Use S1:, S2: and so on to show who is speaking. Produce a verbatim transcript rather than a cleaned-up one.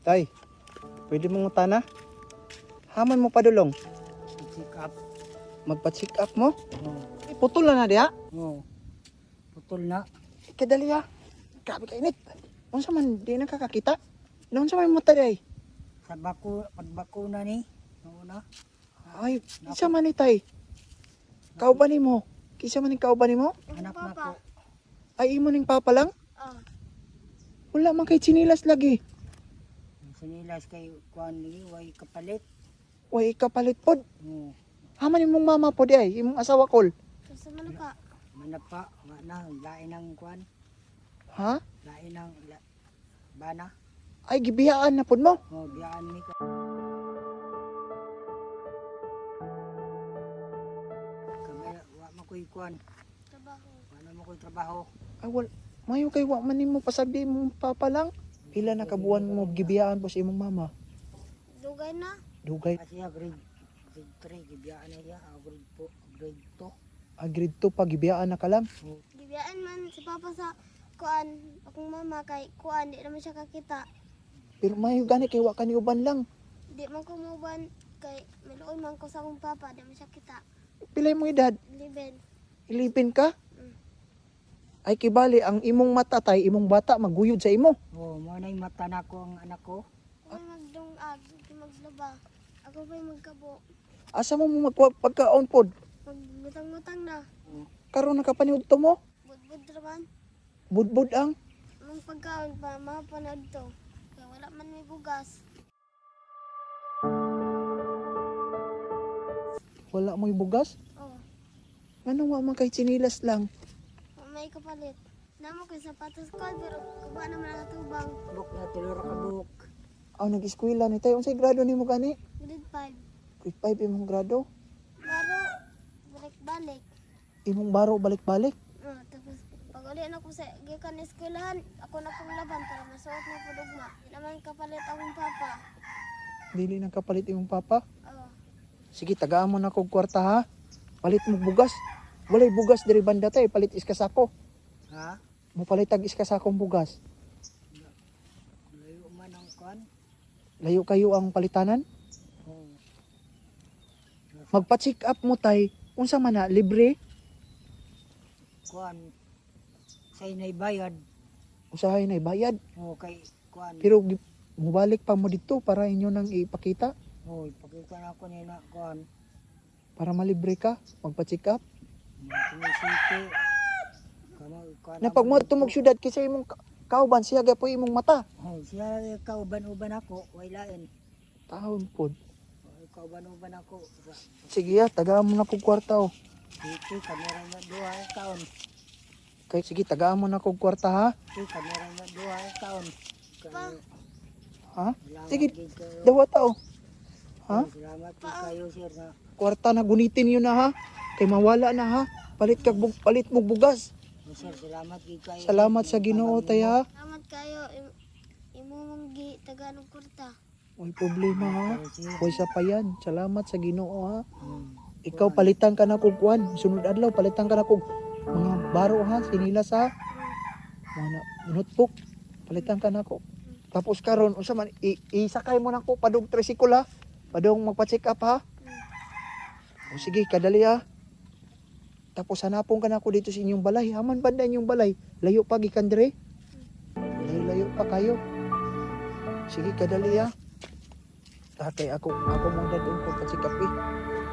S1: Tay, pwede mong utana? Haman mo padulong.
S2: Check up.
S1: Magpa-check up mo?
S2: Oh,
S1: Eh, putol na na diha.
S2: oh. Putol na.
S1: Kadali ha. Grabe ka init. Unsa man di nakakakita? Unsa man mata day?
S2: Sa bako, pagbakuna ni. Oo na.
S1: Ay, isa man ni tay. Kauban nimo. Kisa man ni kauban nimo?
S2: Anak na ko.
S1: Ay imo ning papa lang?
S3: Oh,
S1: Wala man kay chinilas lagi.
S2: Sinilas kay kuan ni way kapalit.
S1: Way kapalit pod.
S2: Oh.
S1: Haman imong mama pod ay, imong asawa kol.
S3: kasi man ka.
S2: Manapa, wa na lain ang kuan,
S1: Ha?
S2: lain ang la, bana.
S1: Ay gibiyaan na pod mo.
S2: Oh, biyaan mi ka. Kami wa mo koy kuan,
S3: Trabaho.
S2: wa na mo koy trabaho.
S1: Ay wal mayo kay wa man nimo pasabi imong papa lang. Pila na kabuan mo gibiyaan po sa imong mama?
S3: Dugay na.
S1: Dugay.
S2: Kasi grade grade three gibiyaan na siya, ah, grade four, grade two.
S1: Ah, grade two pa gibiyaan na ka lang.
S2: Oh,
S3: Gibiyaan man si Papa sa kuan. Akong mama kay kuan. Di naman siya kakita.
S1: Pero mayo gani kay wa ka ni uban lang.
S3: Di man ko muban kay maluoy man ko sa akong papa. Di man siya kita.
S1: Pila mo edad?
S3: Liben.
S1: Ilipin ka?
S3: Mm.
S1: Ay kibali ang imong mata tay imong bata maguyod sa imo.
S2: oh mo na mata na ko ang anak ko.
S3: Ako magdungag. Di maglaba. Ako pa'y magkabo.
S1: Asa mo mo magpagkaon pod?
S3: Magbutang-butang na.
S1: Karon nakapaniud to mo?
S3: Budbud raman.
S1: Budbud ang.
S3: Nung pagkaon pa, mapanood to. Kaya wala man may bugas.
S1: Wala mo'y bugas?
S3: Oh,
S1: Ano wa man kay chinilas lang?
S3: may kapalit. Namo ko'y sapatos ko, pero kuha naman ang tubang.
S2: Buk na tulor ka buk.
S1: Aw nag-eskwela ni tay unsay grado nimo gani?
S3: Grade five.
S1: Grade five imong grado.
S3: Baro, balik-balik.
S1: Imong baro balik-balik.
S3: Uh, tapos, pag uli na ko sa gikan na eskwelahan, ako na pong laban para masuot na po dugma. Di naman kapalit akong papa.
S1: Dili nang kapalit imong papa.
S3: Oh,
S1: Sige, tagaan mo na kog kwarta ha. Palit mo bugas. Walay bugas diri banda tay, palit iskasako.
S2: Ha?
S1: Mo palit tag iskasakong bugas.
S2: Layo man ang kuan.
S1: Layo kayo ang palitanan.
S2: Oh.
S1: Magpa-check up mo tay. Unsa man na libre?
S2: Kuan say nay bayad.
S1: Usahay na bayad.
S2: Oh, kay kuan.
S1: Pero gi- mubalik pa mo dito para inyo nang ipakita.
S2: Oh, ipakita na ako ni na kuan.
S1: Para malibre ka. Magpa-check up.
S2: Sinisiti. Kamo kuan.
S1: Na pag mo tumog syudad kisa imong ka- kauban siya gapo imong mata.
S2: Oh, siya kauban-uban ako, way lain.
S1: Taon pod.
S2: Oh, kauban-uban ako.
S1: Sige ya, tagaan mo na kog kwarta oh.
S2: Titi kamera na duha ka taon.
S1: Kay sige, tagaan mo na kog kwarta ha.
S2: Titi kamera na duha ka taon.
S3: Pa.
S1: Ha?
S2: Salamat
S1: Sige,
S2: gid kayo.
S1: dawa tao. Ha?
S2: Salamat gid kayo sir na.
S1: Kwarta na gunitin yun na ha. Kay mawala na ha. Palit kag bug palit mo bugas.
S2: Oh, sir, salamat gid kayo.
S1: Salamat sa Ginoo tay ha.
S3: salamat kayo. Im imo mong gi taganong kurta.
S1: May problema ha. Hoy sa payan. Salamat sa Ginoo ha.
S2: Hmm.
S1: Ikaw palitan ka na kog kuan. Sunod adlaw palitan ka na kog mga baro ha, sinilas ha. Mga notebook. Palitan ka na ko. Tapos karon unsa man i- isakay mo na ko padung tricycle ha. Padung magpa-check up ha. O sige, kadali ha. Tapos hanapon ka na ako dito sa inyong balay. Haman banda inyong balay. Layo pa gikan dire. Layo-layo pa kayo. Sige, kadali ha. Tatay ako ako mo dadong ko pa check up eh.